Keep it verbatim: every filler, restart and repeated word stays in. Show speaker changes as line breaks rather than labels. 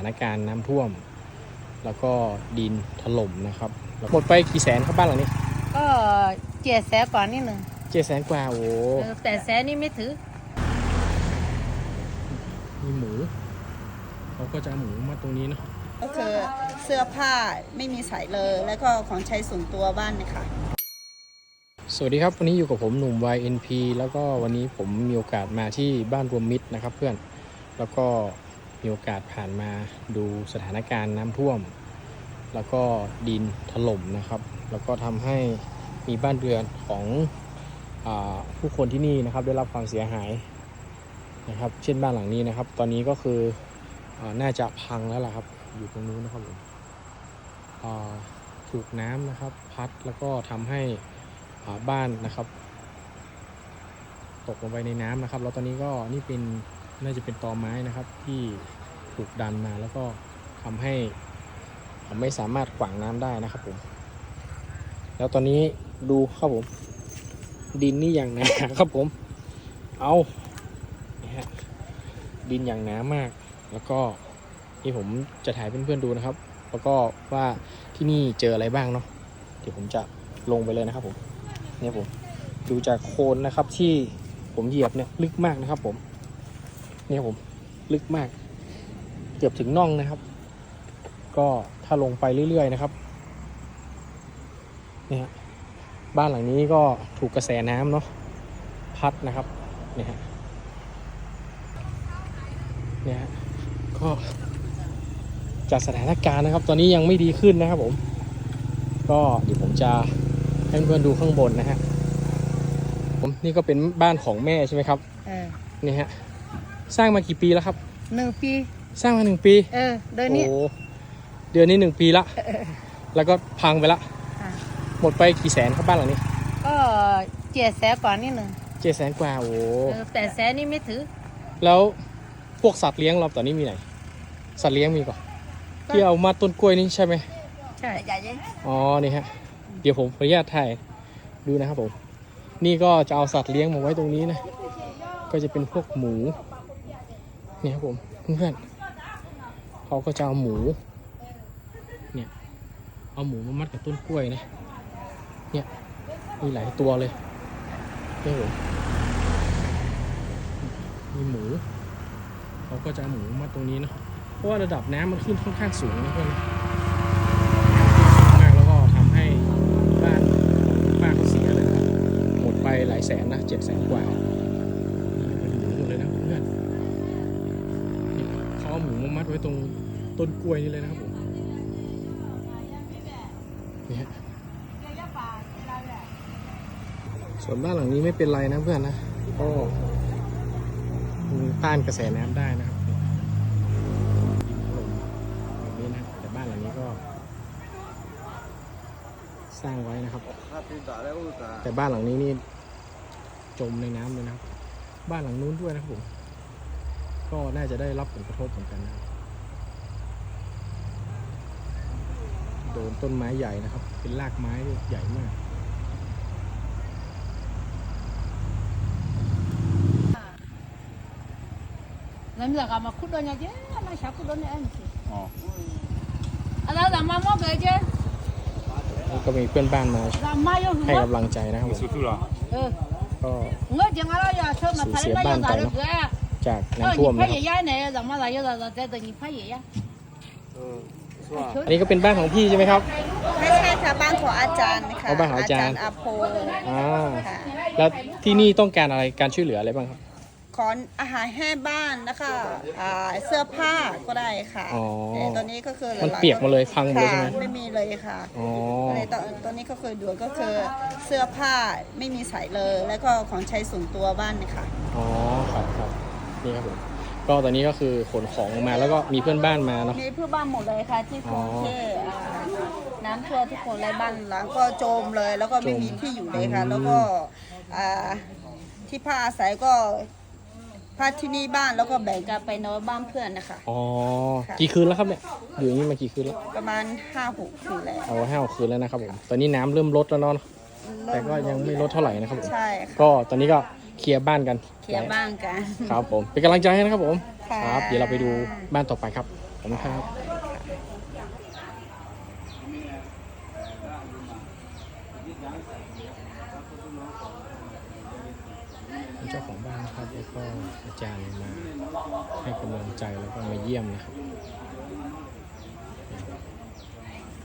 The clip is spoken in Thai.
านการณ์น้ำท่วมแล้วก็ดินถล่มนะครับหมดไปกี่แสนครับบ้านหลังนี้
ก็เจ็ดแสนกว่านิดหนึ่ง
เจ็ดแสนกว่าโอ้
แปดแสนนี่ไม่ถือ
มีหมูเขาก็จะเอาหมูมาตรงนี้เนาะ
ก็คือเสื้อผ้าไม่มีใส่เลยแล้วก็ของใช้ส่วนตัวบ้านนะคะ
สวัสดีครับวันนี้อยู่กับผมหนุ่ม วาย เอ็น พี แล้วก็วันนี้ผมมีโอกาสมาที่บ้านรวมมิตรนะครับเพื่อนแล้วก็มีโอกาสผ่านมาดูสถานการณ์น้ำท่วมแล้วก็ดินถล่มนะครับแล้วก็ทำให้มีบ้านเรือนของอ่าผู้คนที่นี่นะครับได้รับความเสียหายนะครับเช่นบ้านหลังนี้นะครับตอนนี้ก็คืออ่าน่าจะพังแล้วล่ะครับอยู่ตรงนู้นนะครับผมอ่าถูกน้ำนะครับพัดแล้วก็ทำให้บ้านนะครับตกลงไปในน้ำนะครับแล้วตอนนี้ก็นี่เป็นน่าจะเป็นตอไม้นะครับที่ถูกดันมาแล้วก็ทำให้ไม่สามารถขวางน้ำได้นะครับผมแล้วตอนนี้ดูครับผมดินนี่อย่างหนาครับผมเอานี่ฮะดินอย่างหนามากแล้วก็นี่ผมจะถ่ายเพื่อนๆดูนะครับแล้วก็ว่าที่นี่เจออะไรบ้างเนาะเดี๋ยวผมจะลงไปเลยนะครับผมเนี่ยผมดูจากโคลนนะครับที่ผมเหยียบเนี่ยลึกมากนะครับผมเนี่ยผมลึกมากเกือบถึงน่องนะครับก็ถ้าลงไปเรื่อยๆนะครับเนี่ยบ้านหลังนี้ก็ถูกกระแสน้ำเนาะพัดนะครับเนี่ยฮะเนี่ยก็จากสถานการณ์นะครับตอนนี้ยังไม่ดีขึ้นนะครับผมก็เดี๋ยวผมจะให้เพื่อนๆดูข้างบนนะฮะผมนี่ก็เป็นบ้านของแม่ใช่ไหมครับ
เออ
นี่ฮะสร้างมากี่ปีแล้วครับ
หนึ่งปี
สร้างมาหนึ่งปี
เออเดือนนี้
โอ้เดือนนี้หนึ่งปีละแล้วก็พังไปละหมดไปกี่แสนครับบ้านหลังนี้
ก็เจ็ดแสนกว่านิดหนึ่ง
เจ็ดแสนกว่าโอ้
แปดแสนนี่ไม่ถือ
แล้วพวกสัตว์เลี้ยงเราตอนนี้มีไหนสัตว์เลี้ยงมีก่อนที่เอามาต้นกล้วยนี่ใช่ไหม
ใช่ใหญ่ใหญ่
อ๋อนี่ฮะเดี๋ยวผมขออนุญาตถ่ายดูนะครับผมนี่ก็จะเอาสัตว์เลี้ยงมาไว้ตรงนี้นะก็จะเป็นพวกหมูนี่ครับผมเพื่อนๆเขาก็จะเอาหมูเนี่ยเอาหมูมามัดกับต้นกล้วยนะเนี่ยมีหลายตัวเลยนี่ผมมีหมูเขาก็จะเอาหมูมาตรงนี้นะเพราะว่าระดับน้ำมันขึ้นค่อนข้างสูงนะเพื่อนมากแล้วก็ทำให้บ้านป้าเขาเสียเลยนะหมดไปหลายแสนนะเจ็ดแสนกว่าเป็นหมูหมดเลยนะเพื่อนเขาเอาหมูมามัดไว้ตรงต้นกล้วยนี่เลยนะครับผมนี่ฮะส่วนบ้านหลังนี้ไม่เป็นไรนะเพื่อนนะก็ต้านกระแสน้ำได้นะครับแบบนี้นะแต่บ้านหลังนี้ก็สร้างไว้นะครับแต่บ้านหลังนี้นี่จมในน้ำเลยนะครับบ้านหลังนู้นด้วยนะครับผมก็น่าจะได้รับผลกระทบเหมือนกันนะโดนต้นไม้ใหญ่นะครับเป็นรากไม้ใหญ่มาก
นั่นแหละก็มาขุดตัวเนี่ยเจ้ามาชักขุดตัวเนี่ยเองสิอ๋อแล้วเรามาบอกเลยเจ้
าก็มีเพื่อนบ้านมาให้กำลังใจนะครับผม
เออ
ก็
เงี้ยจังอะไรอ่ะเชื่อมาทะเลไม่ยอมจ่ายเลย
จากน้ำท่วมนะครับอันนี้ก็เป็นบ้านของพี่ใช่ไหมครับ
ไม่ใช่ค่ะบ้านของอาจารย์นะคะ
บ้านของอาจารย์
อาโพ
อ่าแล้วที่นี่ต้องการอะไรการช่วยเหลืออะไรบ้างครับ
ขออาหารแห้งบ้านนะคะเสื้อผ้าก็ได้ค่ะตอนนี้ก็คือ
มันเปียกมาเลยพังหมดเลยใช่ไหม
ไม่มีเลยค่ะตอนตอนนี้ก็คือด่วนก็คือเสื้อผ้าไม่มีใส่เลยแล้วก็ของใช้ส่วนตัวบ้านนะคะ
อ๋อครับครับนี่ครับผมก็ตอนนี้ก็คือขนของมาแล้วก็มีเพื่อนบ้านมาเนาะ
มีเพื่อนบ้านหมดเลยค่ะที่กรุงเทพน้ำท่วมทุกคนเลยบ้านหลังก็โจมเลยแล้วก็ไม่มีที่อยู่เลยค่ะแล้วก็ที่พักอาศัยก็พักที่นี่บ้านแล้วก็แบ่งกันไปนอนบ้านเพื่อนนะคะ
อ๋อกี่คืนแล้วครับเนี่ยอยู่อย่างนี้มากี่คืนแล้ว
ประมาณห้าหกคืนแล้ว
เอาห้าหกคืนแล้วนะครับผมตอนนี้น้ำเริ่มลดแล้วเนาะแต่ก็ยังไม่ลดเท่าไหร่นะครับผม
ใช่
ก็ตอนนี้ก็เคลียร์บ้านกัน
เคลียร์บ้านกัน
ครับผมเป็นกำลังใจให้นะครับผมครับเดี๋ยวเราไปดูบ้านต่อไปครับขอบคุณครับเจ้าของบ้านนะครับแล้วก็อาจารย์มาให้กำลังใจแล้วก็มาเยี่ยมนะครับ